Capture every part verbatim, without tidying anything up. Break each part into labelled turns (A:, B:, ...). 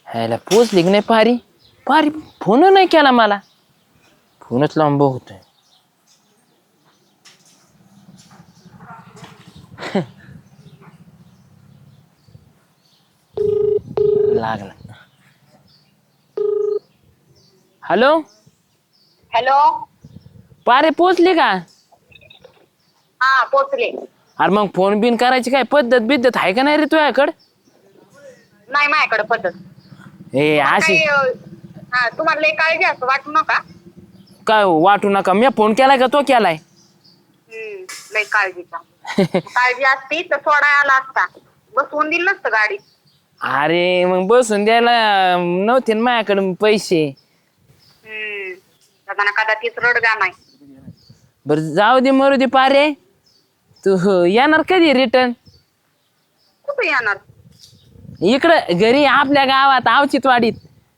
A: ह्याला पोचली की नाही पारी पारी फोन नाही केला मला फोनच लांब होतोय लागला हॅलो
B: हॅलो
A: पारे पोचली का
B: हा पोचले.
A: अरे मग फोन बिन करायची काय पद्धत बिद्धत आहे का नाही रे तुझ्याकडं
B: नाही माझ्याकडे पद्धत.
A: ए
B: तुम्हाला
A: अशी
B: काही अं, हा तुम्हाला लई काळजी असं वाटू नका.
A: काय वाटू नका मी फोन केलाय का तो केलाय
B: हम्म लई काळजीचा काळजी असती तर सोडाय आला असता बसवून दिलं नसतं गाडीत.
A: अरे मग बसून द्यायला नव्हते ना माझ्याकडे पैसे
B: हम्म आता कदाचित रडगा नाही.
A: बर जाऊ दे मरू दे पारे तू येणार कधी रिटर्न
B: कुठे येणार?
A: इकडं घरी आपल्या गावात आवचितवाडीत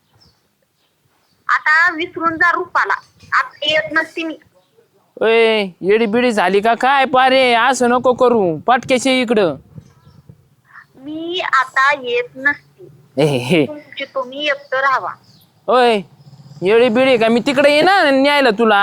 B: आता विसरून जा रूपाला. आता येत नसती मी.
A: ओय येडी बिडी झाली का काय पारे असं नको करू पटकेशी इकडं
B: मी आता येत नसती.
A: ए हे
B: तुमची तुम्ही एकटं राहावा.
A: ओय येडी बिडी का मी तिकडे ये ना न्यायला तुला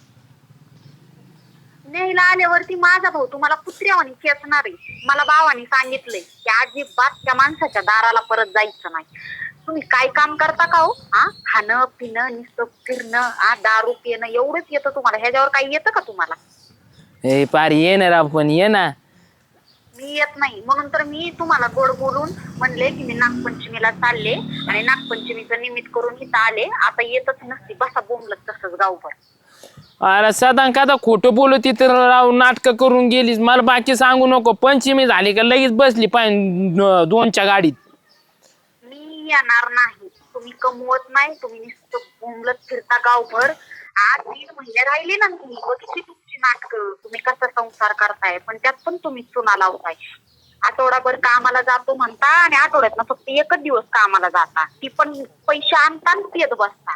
B: न्यायला आल्यावरती माझा भाऊ तुम्हाला कुत्र्यावानी खेचणार आहे. मला भावानी सांगितलंय की अजिबात त्या माणसाच्या दाराला परत जायचं नाही. तुम्ही काय काम करता का हो? हा खाणं पिणं नुसतं फिरणं हा दारू पिणं एवढंच येतं तुम्हाला. ह्याच्यावर काही येतं का तुम्हाला?
A: ए पारी ये ना राव पण ये ना
B: मी येत नाही म्हणून तर मी तुम्हाला गोड बोलून म्हणले की मी नागपंचमीला चालले आणि नागपंचमीचं निमित्त करून इथं आले. आता येतच नसती बसा बोंबलत तसंच गावभर.
A: अरे सदा का खोटं बोलत तिथं राव नाटकं करून गेलीस मला बाकी सांगू नको पंचमी झाली का लगेच बसली पाय दोनच्या गाडीत
B: मी येणार नाही. तुम्ही कमवत नाही. तुम्ही नुसतं बोंबलत फिरता गावभर. आज दीड महिने राहिले ना तुम्ही बघितली तुमची नाटकं. तुम्ही कसा संसार करताय पण त्यात पण तुम्ही चुना लावताय. आठवडाभर कामाला जातो म्हणता आणि आठवड्यात फक्त एकच दिवस कामाला जाता. ती पण पैसे आणता आणि पियत बसता.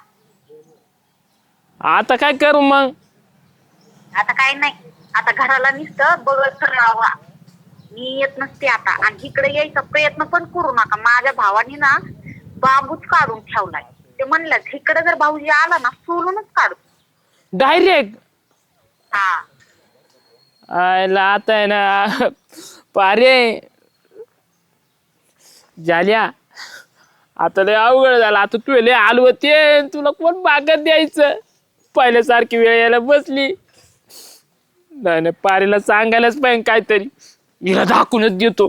A: आता काय करू मग
B: आता काय नाही. आता घराला नुसतं बघत राहावा. मी येत नसते आता आणि इकडे यायचा प्रयत्न पण करू नका. माझ्या भावाने ना बांबूच काढून ठेवलाय. ते म्हणलं इकडे जर भाऊजी आला ना सोलूनच काढतो
A: डायरेक्ट
B: हा.
A: आयला आता आहे ना पारे झाल्या आता लय अवघड झालं आता तू लय आलवते तुला कोण बागत द्यायचं पहिल्यासारखी वेळ यायला बसली नाही नाही पारीला सांगायलाच पाहिजे काहीतरी हिला दाखवूनच देतो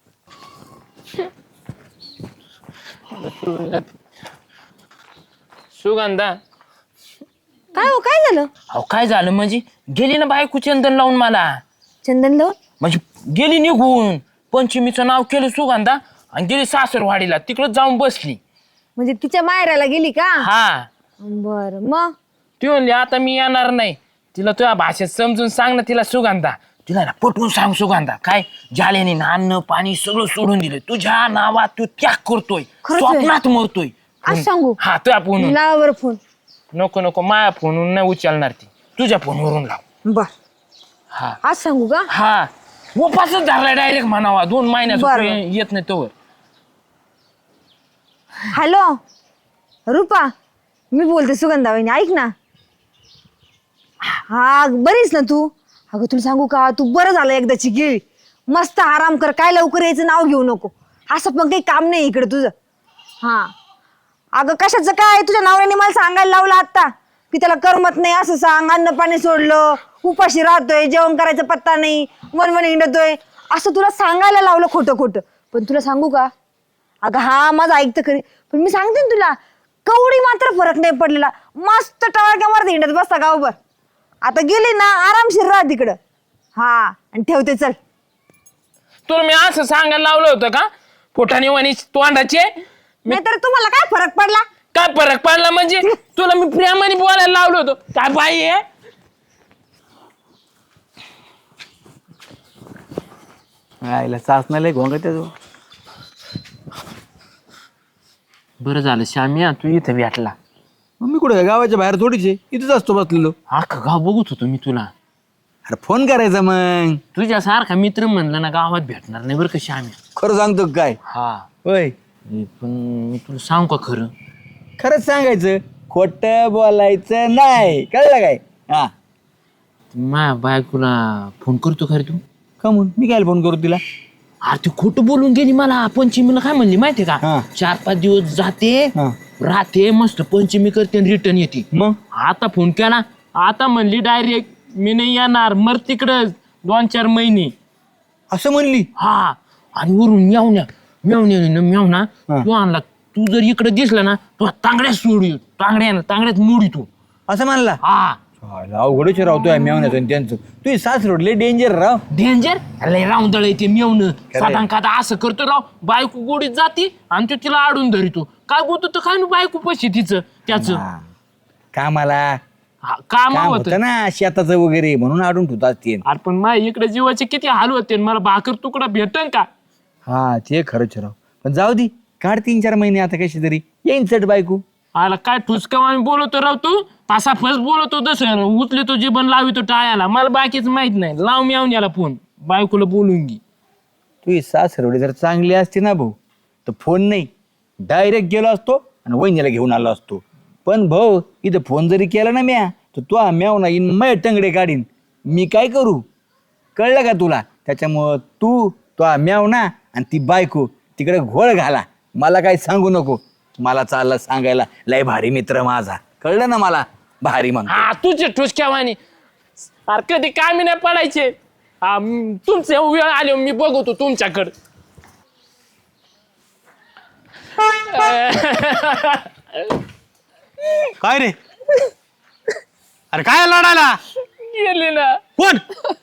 A: सुगंधा
C: काय हो काय झालं?
A: अहो काय झालं म्हणजे गेली ना बायको चंदन लावून मला
C: चंदन लावून
A: म्हणजे गेली निघून पंचमीचं नाव केलं सुगंधा आणि गेली सासरवाडीला तिकडं जाऊन बसली
C: म्हणजे तिच्या मायराला गेली का?
A: हा
C: बर मग
A: ती म्हणली आता मी येणार नाही तिला तुझ्या भाषेत समजून सांग ना तिला सुगंधा तिला ना पटवून सांग सुगंधा काय जाल्याने ना अन्न पाणी सगळं सोडून दिलं तुझ्या नावात तू त्याग करतोय
C: खरंच आहे?
A: स्वप्नात मरतोय
C: आज सांगू?
A: हा तुझ्या फोन
C: लावा बरं फोन.
A: नको नको माझ्या फोनवरून नाही उचलणार ती तुझ्या फोनवरून लाव
C: बर
A: हा
C: आज सांगू का?
A: हा उपासच धरला डायरेक्ट म्हणावा दोन महिन्यात
C: बरं.
A: येत नाही तोवर
C: हॅलो रुपा मी बोलते सुगंधा वहिनी ऐक ना. हा बरीच ना तू? अगं तुला सांगू का तू बरं झालं एकदाची गेली. मस्त आराम कर काय लवकर यायचं नाव घेऊ नको. असं पण काही काम नाही इकडे तुझं. हा अगं कशाचं काय तुझ्या नवऱ्याने मला सांगायला लावलं आता की त्याला करमत नाही असं सांग अन्न पाणी सोडलं उपाशी राहतोय जेवण करायचा पत्ता नाही वनवन हिंडतोय असं तुला सांगायला लावलं खोटं खोटं. पण तुला सांगू का अगं हा माझं ऐकतं खरी पण मी सांगते ना तुला कवडी मात्र फरक नाही पडलेला. मस्त टवाळक्यावर हिंडत बसता गावभर. आता गेली ना आरामशीर राहा तिकडं. हा आणि ठेवते चल.
A: तुला मी असं सांगायला लावलं होतं का पोटाने वाणी तोंडाचे
C: नाहीतर तुम्हाला काय फरक पडला?
A: काय फरक पडला म्हणजे तुला मी प्रेमाने बोलायला लावलं होतं काय बाई आहे
D: आईला चाचण्याला घोंगा त्याचं
A: बरं झालं श्यामिया तू इथं भेटला
D: मग मी कुठे गावाच्या बाहेर थोडीच आहे इथंच असतो बसलेलो.
A: अख्खा गाव बघत होतो मी तुला
D: अरे फोन करायचा मग.
A: तुझ्यासारखा मित्र म्हणलं ना गावात भेटणार नाही बरं का श्यामिया.
D: खरं सांगतो का काय?
A: हा
D: होय
A: पण मी तुला सांग का खरं
D: खरंच सांगायचं खोटं बोलायचं नाही कळलं काय हा
A: माझ्या बायकोला फोन करतो खरे तू
D: का म्हणून मी काय फोन करू तिला
A: अरे ती खोटं बोलून गेली मला पंचमीला काय म्हणली माहितीये
D: हा.
A: का चार पाच दिवस जाते
D: हा.
A: राहते मस्त पंचमी करते रिटर्न येते
D: मग
A: आता फोन केला आता म्हणली डायरेक्ट मी नाही येणार मर तिकडं दोन चार महिने
D: असं म्हणली
A: हा आणि वरून मेवण्या मेवण्या मेवना
D: हा.
A: तू आणला तू जर इकडे दिसला ना तू तांगड्यात सोडी तांगड्या तांगड्यात मोडी तू
D: असं म्हणला
A: हा
D: अवघडच राहतोय मेवण्याचं आणि त्यांचं तू सास रोडले डेंजर राव
A: डेंजर लय राऊंदळ येते मेवणं साधारण का असं करतो राव बायको गोडीत जाते आणि तो तिला आडून धरितो काय बोलतो तर काय ना बायको पशी तिचं त्याच
D: हा. कामाला
A: काम
D: काम
A: होत
D: होतं ना शेताचं वगैरे म्हणून आडून ठेवतात ते
A: अरे पण माझ्या इकडे जीवाचे किती हाल होते आणि मला भाकर तुकडा भेटन का
D: हा ते खरंच राव पण जाऊ दे काढ तीन चार महिने आता कशी तरी येईन चट बायको
A: आला काय ठुसकावाने बोलतो राव तू तासा फस बोलतो तसं उचले तो जीवन लावितो टाळ्याला मला बाकीच माहित नाही लाव मी येऊन याला फोन बायकोला बोलून घे
D: तू सास रोडे जर चांगली असते ना भाऊ तर फोन नाही डायरेक्ट गेलो असतो आणि वहिनीला घेऊन आलो असतो पण भाऊ इथं फोन जरी केला ना म्या तर तू म्याव ना इन मै टंगडे काढीन मी काय करू कळलं का तुला त्याच्यामुळं तू तो म्याव ना आणि ती बायको तिकडे घोळ घाला मला काही सांगू नको मला चाललं सांगायला लय भारी मित्र माझा कळलं ना मला भारी म्हणतो
A: हा तुझे ठुसक्यावानी अरे कधी कामी नाही पडायचे हा, म, तुमचे वेळ आले मी बघतो तुमच्याकडं
E: काय रे अरे काय लढायला
A: गेली ना
E: कोण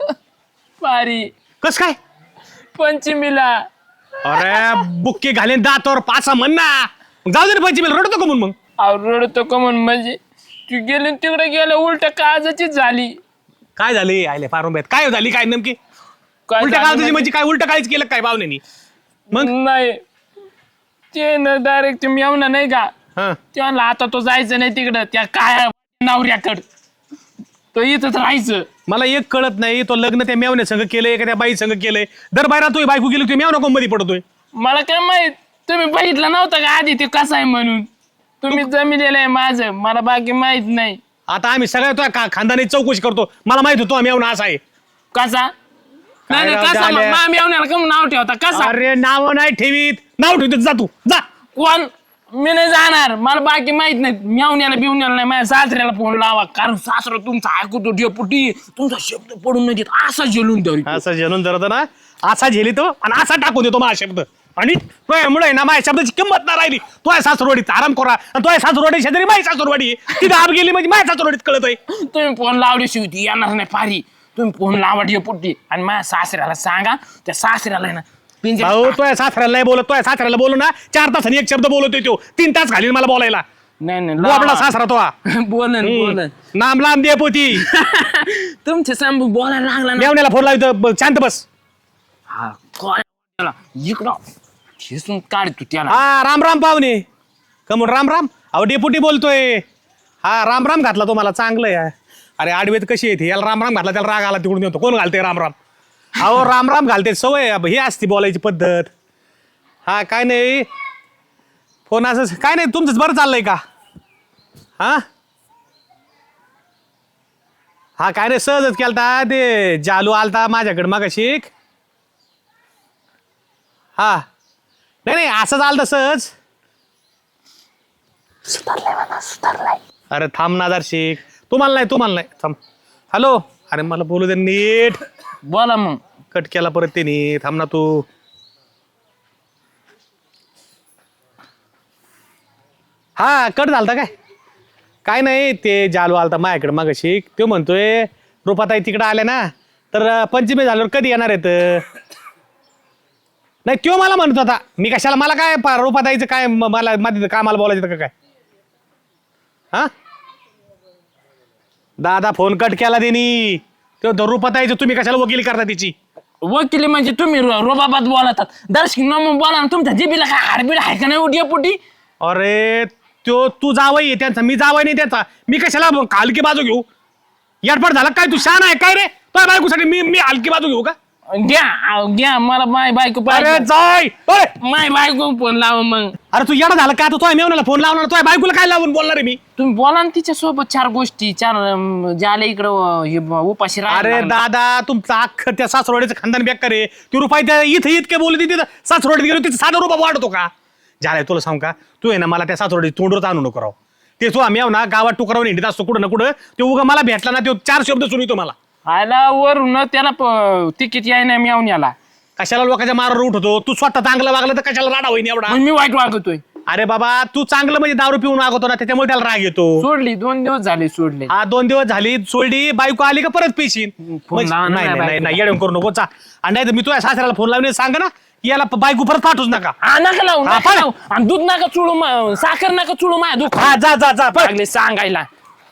A: पारी
E: कस काय
A: पंचमीला
E: अरे बुक्के घालेन दातावर पाचा म्हण ना मग जाऊ दे ना पंचमीला रडतो का म्हणून मग
A: अहो, रडतो का म्हणून म्हणजे तू गेली न तिकडे गेलं उलट काळजाची झाली
E: काय झाली आले फारुंब्यात काय झाली काय नेमकी
A: काय
E: उलट्या
A: झाली
E: काळजाची म्हणजे काय उलट काळीच केलं काय पाहुण्यानी मग
A: नाही ते ना डायरेक्ट तुम्ही येऊ ना नाही का
E: हा
A: ते म्हणलं आता तो जायचं नाही तिकडं त्या काय नवऱ्याकड तो इथंच राहायचं
E: मला एक कळत नाही तो लग्न त्या मेवण्या संघ केलंय का त्या बाई संघ केलंय दर बायरा तू बायको गेली तू मेव नको मध्ये पडतोय
A: मला काय माहित तुम्ही बघितलं नव्हतं का आधी ते कसं आहे म्हणून तुम्ही जमिलेलं आहे माझं मला बाकी माहित नाही
E: आता आम्ही सगळ्या तो का खानदानी चौकशी करतो मला माहित होतो मेवना असा आहे
A: कसा नाही नाही
E: राव
A: कसा
E: झाल्या?
A: मग मामी येऊन कम नाव ठेवता कसा
E: अरे नाव नाही ठेवीत नाव ठेवतो जा तू जा
A: कोण मी नाही जाणार मला बाकी माहित नाही मेवण्याला बिवण्याला नाही माझ्या सासऱ्याला फोन लावा कारण सासरा तुमचा ऐकतो डेपुटी तुमचा शब्द पडून नाही देत असा जेलून धरी
E: असा झेलून धरतो ना असा झेलितो आणि असा टाकून देतो माझा शब्द आणि मुळे ना माझ्या शब्दाची किंमत ना राहिली तो आहे सासरवाडीत आराम करा आणि तो आहे सासरवाडी शेजारी माझी सासरवाडी तिथे आब गेली म्हणजे माझ्या सासरवाडीत कळत आहे
A: तुम्ही फोन लावली शिवती येणार नाही पारी तुम्ही फोन लावा डेपुटी आणि माझ्या सासऱ्याला सांगा त्या सासऱ्याला आहे ना पिंजऱ्यात
E: भाऊ तो आहे सासऱ्याला नाही बोलत तो आहे सासऱ्याला बोलू ना चार तासांनी एक शब्द बोलतोय तो तीन तास घालील मला बोलायला
A: नाही नाही
E: आपला
A: लावा.
E: सासरा तो हा.
A: बोलन बोलन
E: हम्म. नाम लांब दे पोती
A: तुमच्या सांबू बोलायला लागला ना
E: मेवण्याला फोन लावतो शांत बस
A: हा काय त्याला इकडं ठेसून काढ तू त्याला
E: हा राम राम पाहुणे कमून राम राम अहो डेपुटी बोलतोय हा राम राम घातला तो मला चांगलं आहे अरे आडवेत कशी येते याला राम राम घातला त्याला राग आला तिकडून येतो कोण घालते राम राम अहो राम राम घालते सवय अब ही असती बोलायची पद्धत हा काय नाही फोन असं काय नाही तुमचंच बरं चाललंय का हा हा काय नाही सहजच केलता ते जालू आलता माझ्याकडे मग शिक हा नाही नाही असंच आलं सहज अरे थांब ना शिक तुम्हाला नाही तुम्हाला नाही थांब हॅलो अरे मला बोलू दे नीट
A: बोला मग
E: कट केला परत त्यांनी थांब ना तू हा कट झालता काय काय नाही ते जालू आलता माझ्याकडे मग शिक तो म्हणतोय रुपाताई तिकडे आल्या ना तर पंचमी झाल्यावर कधी येणार आहेत नाही तो मला म्हणत होता मी कशाला मला काय पा- रुपाताईचं काय म- मला मध्ये कामाला बोलायचं का काय हा दादा फोन कट केला त्यांनी तो रुपाताईचं तुम्ही कशाला वकिली करता तिची
A: वकिली म्हणजे तुम्ही रो- रोबाबात बोलतात दर्शक नमून बोला ना तुमच्या जिबीला काय हाडबीड आहे का नाही उड्या पोटी
E: अरे तो तू जावई आहे त्यांचा मी जावई नाही त्याचा मी कशाला हलकी बाजू घेऊ याडपट झाला काय तू शान आहे काय रे तुझ्या बायकोसाठी मी मी हलकी बाजू घेऊ का
A: घ्या अहो, घ्या मला माय बायको
E: अरे
A: पाहिजे
E: जाय अरे
A: माय बायको फोन लावा मग
E: अरे तू येडा झाला का तू तुझ्या मेवण्याला फोन लावणार तुझ्या बायकोला काय लावून बोलणार आहे मी
A: तुम्ही बोला ना तिच्या सोबत चार गोष्टी चार अं, ज्याला इकडं हे ब- उपाशी
E: अरे
A: राहायला
E: दादा तुमचं अख्खं त्या सासरोड्याचं खानदान बेकार आहे ती रुपाई त्या इथं इतके बोलली तिथं सासरोड्यात गेलो तिथं साधा रुपा वाढतो का झालाय तुला सांग का तू आहे ना मला त्या सासरोड्याची तोंडवरच आणू नको राव ते तू आम्ही ना गावात टुकरावून हिंडत असतो कुठं ना कुठं ते उगा मला भेटला ना तो चार शब्द सुनितो मला
A: आयला वरून त्याला प- तिकीट याय नाही मी याला
E: कशाला लोकांच्या मारावर उठतो तू स्वतः चांगलं वागलं तर कशाला राडा होईन एवढा
A: मग मी वाईट वागतोय
E: अरे बाबा तू चांगलं म्हणजे दारू पिऊन वागवतो ना त्याच्यामुळे त्याला राग येतो
A: सोडली दोन दिवस झाले सोडले
E: हा दोन दिवस झाली सोडली बायको आली का परत पेशीन
A: फोन लावा ना
E: नाही
A: माझ्या
E: नाही नाही नाही
A: बायकोला.
E: येडून करू नको चा आणि नाही तर मी तुझ्या सासऱ्याला फोन लावून सांग ना की याला प- बायको परत पाठवूच नका
A: हा नका लावू
E: हा,
A: नका
E: पण-
A: लावू. आणि दूध नका चुळू मा- साखर नका चुळू माझ्या दुःख
E: हा जा जा जा पळ.
A: लागले सांगायला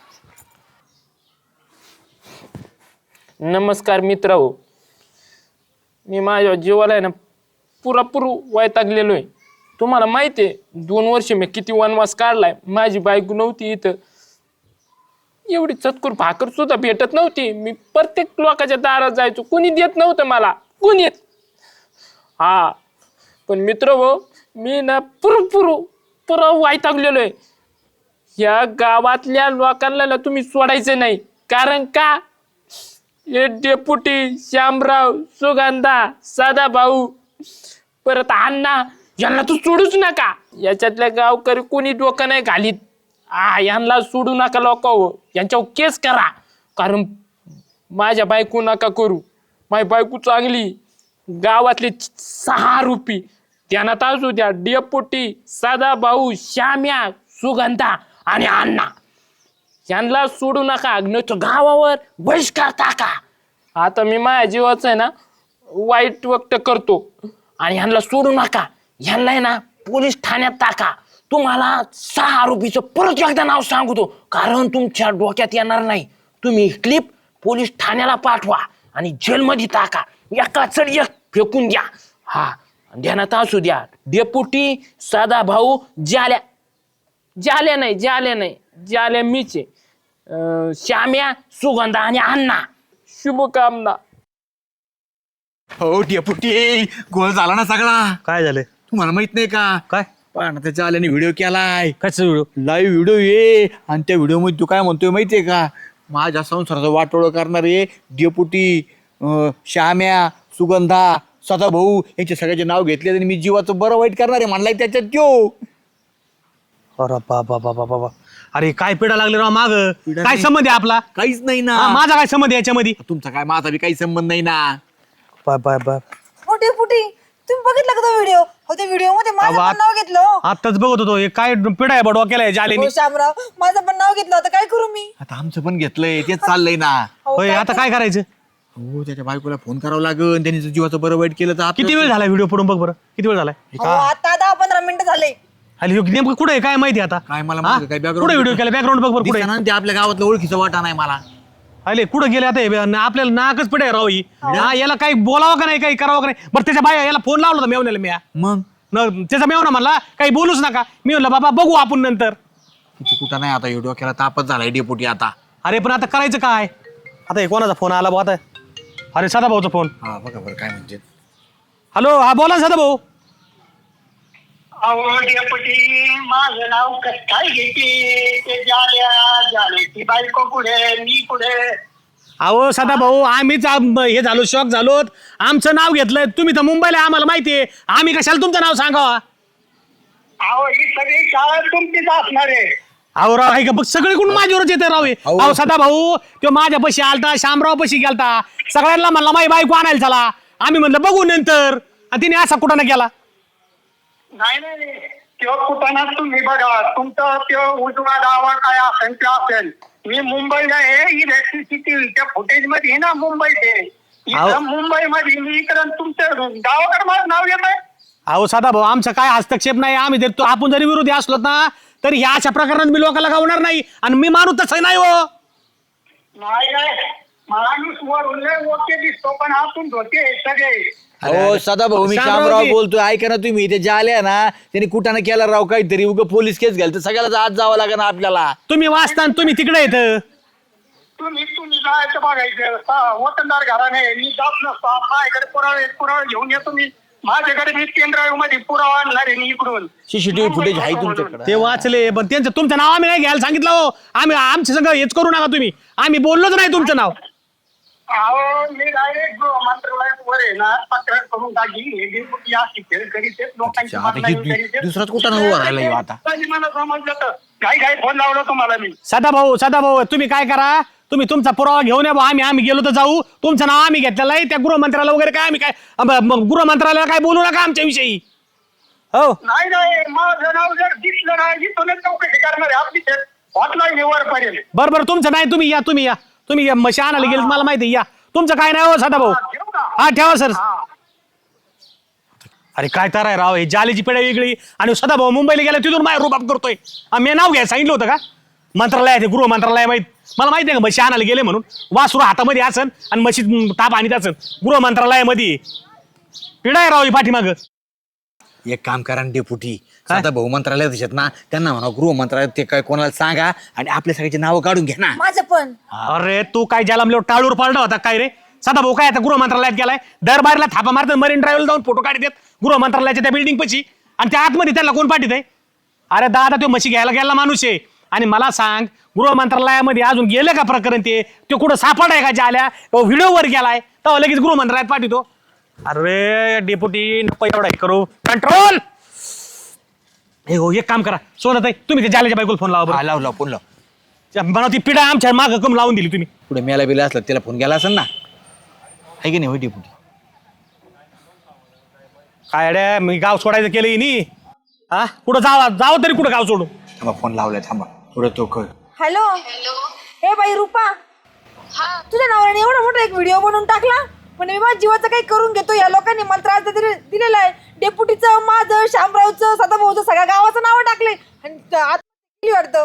A: नमस्कार मित्र हो मी माझ्या जीवाला आहे ना पुरापूर वैतागलेलो आहे तुम्हाला माहिती आहे दोन वर्ष मी किती वनवास काढलाय माझी बायको नव्हती इथं एवढी चतकुर भाकर सुद्धा भेटत नव्हती मी प्रत्येक लोकांच्या दारात जायचो कोणी देत नव्हतं मला कोणी हा पण मित्र हो मी ना पुरपुर पुरा वैतागलेलो आहे या गावातल्या लोकांना ना तुम्ही सोडायचं नाही कारण का हे डेपुटी श्यामराव सुगंधा सदाभाऊ परत अण्णा यांना तू सोडूच नका याच्यातल्या गावकरी कोणी डोकं नाही घालीत आ यांना सोडू नका लोक हो यांच्यावर केस करा कारण माझ्या बायको नका करू माझी बायको चांगली गावातले सहा रुपी ध्यानात असू द्या डेपुटी सदाभाऊ श्याम्या सुगंधा आणि अण्णा यांना सोडू नका नाही तर गावावर बहिष्कार टाका आता मी माझ्या जीवाचं आहे ना वाईट व्यक्त करतो आणि ह्यांना सोडू नका ह्यांना आहे ना पोलीस ठाण्यात टाका तुम्हाला सहा आरोपीचं परत एकदा नाव सांगतो कारण तुमच्या डोक्यात येणार नाही तुम्ही क्लिप पोलीस ठाण्याला पाठवा आणि जेलमध्ये टाका एका चढ एक फेकून द्या हा ध्यानात असू द्या डेपुटी सदाभाऊ जाल्या जाल्या नाही जाल्या नाही जाल्या मीच आहे अं, श्याम्या सुगंधा आणि अण्णा शुभकामना
D: हो डेपुटी गोळ झाला ना सगळा
E: काय झालं
D: तुम्हाला माहित नाही का
E: काय
D: पण त्याच्या आल्याने व्हिडिओ केलाय
E: काय व्हिडिओ
D: लाईव्ह व्हिडिओ ये आणि त्या व्हिडिओ मध्ये तू काय म्हणतोय माहितीये का माझ्या संसाराचं वाटोळ करणारे डेपुटी अं, श्याम्या सुगंधा सदाभाऊ यांचे सगळ्याचे नाव घेतले आणि मी जीवाचं बरं वाईट करणारे म्हणलाय त्याच्यात त्यो
E: अरे बाबा बाबा बाबा अरे काय पिढा लागले राव माग
D: पिढा
E: काय
D: नाही.
E: संबंध आहे आपला
D: काहीच नाही ना
E: हा, माझा काय संबंध आहे याच्यामध्ये
D: तुमचा काय माझा बी काही संबंध नाही ना
E: बाय बाय बाय
C: मोठे फुटी तुम्ही बघितलं का तो व्हिडिओ हो त्या व्हिडिओ मध्ये माझं
E: अहो,
C: पण नाव घेतलं हो.
E: आताच बघत होतो हे काय पिढा आहे बडवा केलाय जालेनी
C: हो शामराव माझं पण नाव घेतलं होतं काय करू मी
D: आता आमचं पण घेतलंय तेच चाललंय ना
C: हो,
E: होय
C: काय
E: आता काय करायचं
D: हो त्याच्या बायकोला फोन करावा लागेल त्यांनी जर जीवाचं बरं वाईट केलं तर आपलं-
E: किती वेळ झाला व्हिडिओ पडून बघ बरं किती वेळ झालाय
C: हो, आता दहा पंधरा मिनिटं झाले
E: आणि ह्यो नेमकं कुठे आहे काय माहिती आता
D: काय मला
E: हा?
D: माहिती काय background
E: कुठे व्हिडिओ केला बॅकग्राऊंड बघ बरं कुठे
D: दिसेना ना ते आपल्या गावातलं ओळखीचा वाटा नाही मला
E: अरे कुठं गेले आता हे बे? आपल्याला नाकच पडे राव ही हा याला काही बोलावं का नाही काही करावं का नाही बरं त्याच्या बाया याला फोन लावला होता मेवण्याला मी
D: मग
E: न त्याचा मेवना म्हणला काही बोलूच नका मी म्हणलं बाबा बघू आपण नंतर
D: किती कुठं नाही आता व्हिडिओ केला तापच झालाय डेपुटी आता
E: अरे पण आता करायचं काय आता हे कोणाचा फोन आला भाऊ आता अरे सदा भाऊचा फोन
D: हा बघा बरं काय म्हणजे
E: हॅलो हा बोला सदा भाऊ
F: अहो डेपुटी माझं नाव कसं काय घेते ते जाल्या जाल्याची बायको कुठे मी कुठे
E: अहो सदा भाऊ आम्हीच आम- हे झालो शॉक झालो आमचं नाव घेतलंय तुम्ही तर मुंबईला आहे, आम्हाला माहिती आहे आम्ही कशाला तुमचं नाव सांगावा
F: अहो ही सगळी शाळा तुमचीच असणार आहे
E: अहो राव आहे का बघ सगळे कोण माझ्यावरच येते राव हे.
D: अहो.
E: अहो सदा भाऊ तो माझ्या पशी आलता शामराव पशी गेलता सगळ्यांना म्हणला माझी बायको आणायला चला आम्ही म्हणलं बघू नंतर आणि तिने असा कुठं ना केला
F: नाही नाही नाही. त्यो कुठं तुम्ही बघा तुमचा त्यो उजवा दावा काय असेल ते असेल मी मुंबईला आहे ही सीसीटीव्हीच्या फुटेज मध्ये ना मुंबईचे
E: अहो.
F: इथं मुंबईमध्ये मी इकडं तुमच्या गावाकडे माझं नाव येत आहे
E: अहो सदा भाऊ आमचा काय हस्तक्षेप नाही आम्ही देतो आपण जरी विरोधी असलो ना तरी ह्या अशा प्रकरणात मी लोकांना गावणार नाही आणि मी माणूस तसं नाही हो
F: नाही नाही माणूस वरून ओके दिसतो पण आतून धोते सगळे
D: हो सदा भाऊ मी
E: शामराव
D: शामराव
E: की-
D: बोलतोय ऐका ना तुम्ही ते जे आले ना त्यांनी कुठाने केला राव काहीतरी उग पोलीस केस घ्याल तर सगळ्याला आज जावं लागेल ना आपल्याला
E: तुम्ही वाचता आणि तुम्ही तिकडे येत
F: तुम्ही तुम्ही जायचं बघायचं हा, वतनदार घराने मी जात नसतो माझ्याकडे पुरावे पुरावे घेऊन येतो मी माझ्याकडे मी पेनड्राईव्ह मध्ये पुरावा आणणार आहे मी इकडून
D: सीसीटीव्ही फुटेज आहे तुमच्याकडे
E: ते वाचले पण त्यांचं तुमचं नाव आम्ही नाही घ्यायला सांगितलं हो आम्ही आमच्या सगळं हेच करू नका तुम्ही आम्ही बोललोच नाही तुमचं नाव
F: अहो मी डायरेक्ट मंत्रालयावर आहे ना तक्रार करून टाकी हे डेपुटी अशी खेळ करीत आहेत, लोकांची
D: आता हे
F: बदनामी करीत आहेत.
D: दुसराच कुठं उभा राहिला ह्यो आता
F: तरी मला समजलं तर काही काही फोन लावला तुम्हाला मी
E: सदा भाऊ सदा भाऊ तुम्ही काय करा तुम्ही तुमचा पुरावा घेऊन या भाऊ आम्ही आम्ही गेलो तर जाऊ तुमचं नाव आम्ही घेतलेलं आहे त्या गृहमंत्र्याला वगैरे काय आम्ही काय अब- मग गृहमंत्र्याला काय बोलू नका आमच्या विषयी हो
F: नाही नाही माझं नाव जर दिसलं नाही इथूनच चौकशी करणार आहे आपली हॉटलाईन वर पडेल
E: बरं बरं तुमचं नाही तुम्ही या तुम्ही या तुम्ही या म्हशी आणायला गेले मला माहिती आहे, या तुमचं काय नाही हो सदा भाऊ
F: ठेवू का?
E: हा ठेवा सर
F: हा.
E: अरे काय तर आहे राव हे जालीची पिढ्या वेगळी आणि सदा भाऊ मुंबईला गेला तिथून माझ्या रुबाब करतोय आ, मी नाव घ्यायला सांगितलं होतं का मंत्रालयात गृह मंत्रालय माहित मला माहिती आहे का म्हशी आणायला गेले म्हणून वासरू हातामध्ये असन आणि म्हशी ताप आणीत असन गृह मंत्रालयामध्ये पिढा आहे राव ही पाठीमाग
D: एक काम करा ना डेपुटी आता भाऊ मंत्रालयात आहेत ना त्यांना म्हणा गृह मंत्रालयात ते काय कोणाला सांगा आणि आपल्या सगळ्याची नावं काढून घ्या ना
C: माझं पण
E: अरे तू काय ज्याला म्हणलं टाळूर पाळला होता काय रे सदा भाऊ काय आता गृह मंत्रालयात गेलाय दरबारला थापा मारतात मरीन ड्राईव्हला जाऊन फोटो काढत गृह मंत्रालयाच्या त्या बिल्डिंग पशी आणि त्या आतमध्ये त्याला कोण पाठीत आहे अरे दादा तो म्हशी घ्यायला गेला माणूस आहे आणि मला सांग गृह मंत्रालयामध्ये अजून गेले का प्रकरण ते तो कुठं सापड आहे का ज्याला व्हिडिओवर गेलाय तेव्हा लगेच गृह मंत्रालयात पाठवतो अरे डेप्युटी नको एवढा हे करू कंट्रोल हे हो एक काम करा सोनत आहे तुम्ही ते जाल्याच्या बायकोला फोन लावा
D: हा,
E: बरं
D: लाव लाव फोन लाव
E: मला ती पिढा आमच्या माग कम लावून दिली तुम्ही
D: पुढे मेला बिला असला त्याला फोन गेला असेल ना आहे की नाही होय डेपुटी
E: काय अड्या मी गाव सोडायचं केलं नी हा कुठं जावा जावं तरी कुठं गाव सोडून
D: थांबा फोन लावलाय थांबा पुढे तो कळ
C: हॅलो
B: हॅलो
C: हे बाई रुपा
B: हा
C: तुझ्या नवऱ्याने एवढा मोठा एक व्हिडिओ बनवून टाकला पण मी माझ्या जीवाचं काही करून घेतो या लोकांनी मंत्रालयात दिले दिलेलं आहे डेप्युटीचं माझं शामरावचं सदाभाऊचं सगळ्या गावाचं नाव टाकले आणि त- आता गेली वाटतं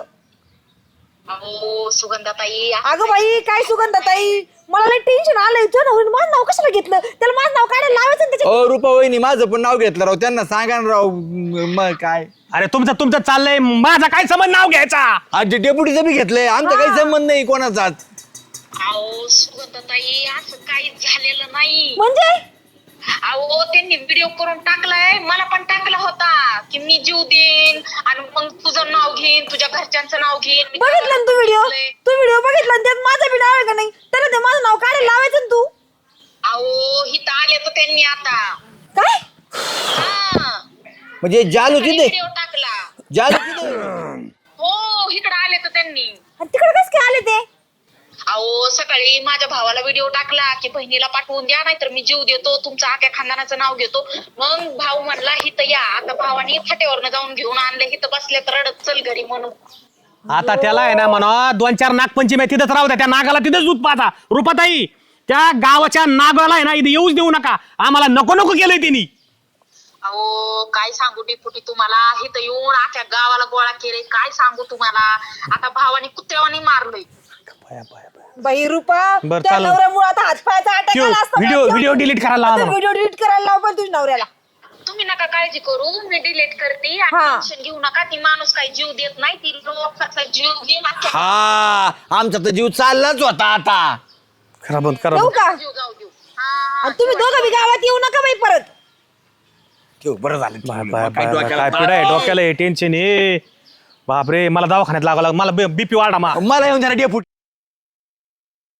B: अहो सुगंधाताई
C: अगं बाई काय सुगंधाताई मला लई टेन्शन आलंय तुझ्या नवऱ्याने माझं नाव कशाला घेतलं त्याला माझं नाव काढायला लावायचं ना त्याच्या
D: ओ रुपा वहिनी माझं पण नाव घेतलं राव त्यांना सांगा ना राव म- मग काय
E: अरे तुमचं तुमचं चाललंय माझा काय संबंध नाव घ्यायचा
D: आज डेप्युटीचं बी घेतलंय आमचा काही संबंध नाही कोणाचाच
B: अहो सुगंधाताई असं काहीच झालेलं नाही
C: म्हणजे
B: अहो त्यांनी व्हिडिओ करून टाकलाय मला पण टाकला होता की मी जीव देईन आणि मग तुझं नाव घेईन तुझ्या घरच्यांचं नाव घेईन मी
C: बघितलं ना तू व्हिडिओ तू व्हिडिओ बघितला आणि त्यात माझं बी नाव आहे का नाही त्याला ते माझं नाव काढायला लावायचं ना तू
B: अहो हिथं आले तर त्यांनी आता
C: काय
B: हा
D: म्हणजे जालू तिथे
B: व्हिडिओ टाकला
D: जालू तिथे
B: हो इकडे आले तर त्यांनी
C: आणि तिकडे कसं काय आले ते
B: अहो सकाळी माझ्या भावाला व्हिडिओ टाकला की बहिणीला पाठवून द्या नाहीतर मी जीव देतो तुमचं आख्या खानदानाचं नाव घेतो मग भाऊ म्हणला हिथं या आता भावाने फाट्यावरनं जाऊन घेऊन आणले हिथं बसले तर रडत चल घरी म्हणून
E: आता त्याला आहे ना म्हणा दोन चार नागपंचमी आहे तिथंच राहू द्या त्या नागाला तिथंच दूध पाहता रुपाताई त्या गावाच्या नागाला आहे ना इथे येऊच देऊ नका आम्हाला नको नको केलंय त्यांनी
B: अहो काय सांगू डिपुटी तुम्हाला इथं येऊन आख्या गावाला गोळा केले काय सांगू तुम्हाला आता भावाने कुत्र्यावानी मारलंय
C: बाई रुपा
E: बरं,
C: त्या
E: चालेल.
C: नवऱ्यामुळे आता हातपायाचा अटॅक
E: ठेव,
C: आला असता
E: व्हिडिओ- व्हिडिओ delete करायला लावा.
C: व्हिडिओ डिलीट करायला लाव पण तुझ्या नवऱ्याला
B: तुम्ही नका काळजी करू मी डिलीट करते
C: हा.
B: आणि टेन्शन घेऊ नका ती माणूस काही जीव देत नाही ती लोकांचा जीव घेऊन अख्ख्या
D: हा आमचा तर जीव चाललाच होता आता
E: खरा बंद करा
C: येऊ का
B: जीव जाऊ देऊ हा
C: आणि तुम्ही दोघं बी गावात येऊ नका बाई परत
D: ठेव बरं झालं
E: बाय,
D: ठेवलं.
E: बाय,
D: काय
E: बाय,
D: डोक्याला
E: काय पिढा आहे डोक्याला टेन्शन आहे बापरे मला दवाखान्यात लागावं लागलं मला बीपी वाढा मा
D: मला येऊन जरा डेपुटी